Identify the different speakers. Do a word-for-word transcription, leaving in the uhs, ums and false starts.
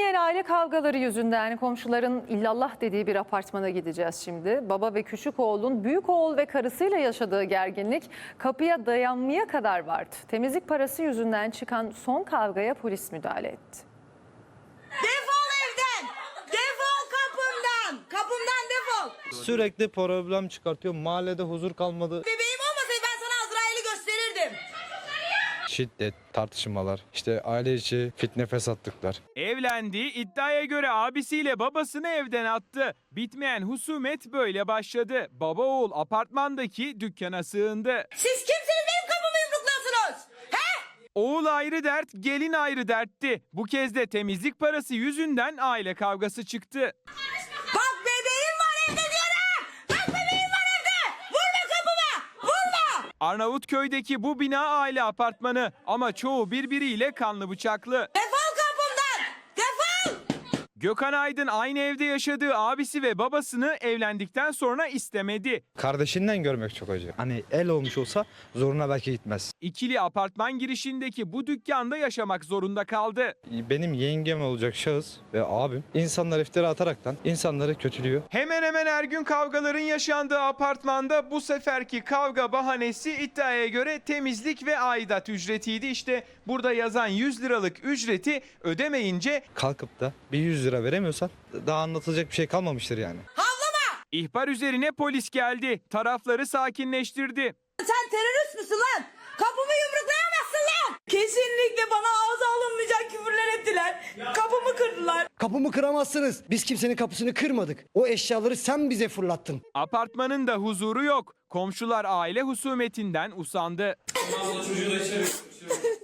Speaker 1: Bitmeyen aile kavgaları yüzünden komşuların illallah dediği bir apartmana gideceğiz şimdi. Baba ve küçük oğlun büyük oğul ve karısıyla yaşadığı gerginlik kapıya dayanmaya kadar vardı. Temizlik parası yüzünden çıkan son kavgaya polis müdahale etti.
Speaker 2: Defol evden! Defol kapımdan! Kapımdan defol!
Speaker 3: Sürekli problem çıkartıyor. Mahallede huzur kalmadı.
Speaker 2: Bebeğim olmasaydı ben sana Azrail'i gösterirdim.
Speaker 3: Şiddet, tartışmalar, işte aile içi fitne fesatlıklar.
Speaker 4: Evlendi, iddiaya göre abisiyle babasını evden attı. Bitmeyen husumet böyle başladı. Baba oğul apartmandaki dükkana sığındı.
Speaker 2: Siz kimsiniz benim kapımı yumrukluyorsunuz? He?
Speaker 4: Oğul ayrı dert, gelin ayrı dertti. Bu kez de temizlik parası yüzünden aile kavgası çıktı.
Speaker 2: Bak bebeğim var evde diyorum! Bak bebeğim var evde! Vurma kapıma! Vurma!
Speaker 4: Arnavutköy'deki bu bina aile apartmanı ama çoğu birbiriyle kanlı bıçaklı.
Speaker 2: Defol kapımdan! Defol!
Speaker 4: Gökhan Aydın aynı evde yaşadığı abisi ve babasını evlendikten sonra istemedi.
Speaker 3: Kardeşinden görmek çok acı. Hani el olmuş olsa zoruna belki gitmez.
Speaker 4: İkili apartman girişindeki bu dükkanda yaşamak zorunda kaldı.
Speaker 3: Benim yengem olacak şahıs ve abim insanlar iftira ataraktan insanları kötülüyor.
Speaker 4: Hemen hemen her gün kavgaların yaşandığı apartmanda bu seferki kavga bahanesi iddiaya göre temizlik ve aidat ücretiydi. İşte burada yazan yüz liralık ücreti ödemeyince
Speaker 3: Kalkıp da bir yüz lira veremiyorsan daha anlatılacak bir şey kalmamıştır yani.
Speaker 2: Havlama!
Speaker 4: ihbar üzerine polis geldi. Tarafları sakinleştirdi.
Speaker 2: Sen terörist müsün lan? Kapımı yumruklayamazsın lan! Kesinlikle bana ağza alınmayacak küfürler ettiler. Kapımı kırdılar.
Speaker 5: Kapımı kıramazsınız. Biz kimsenin kapısını kırmadık. O eşyaları sen bize fırlattın.
Speaker 4: Apartmanın da huzuru yok. Komşular aile husumetinden usandı.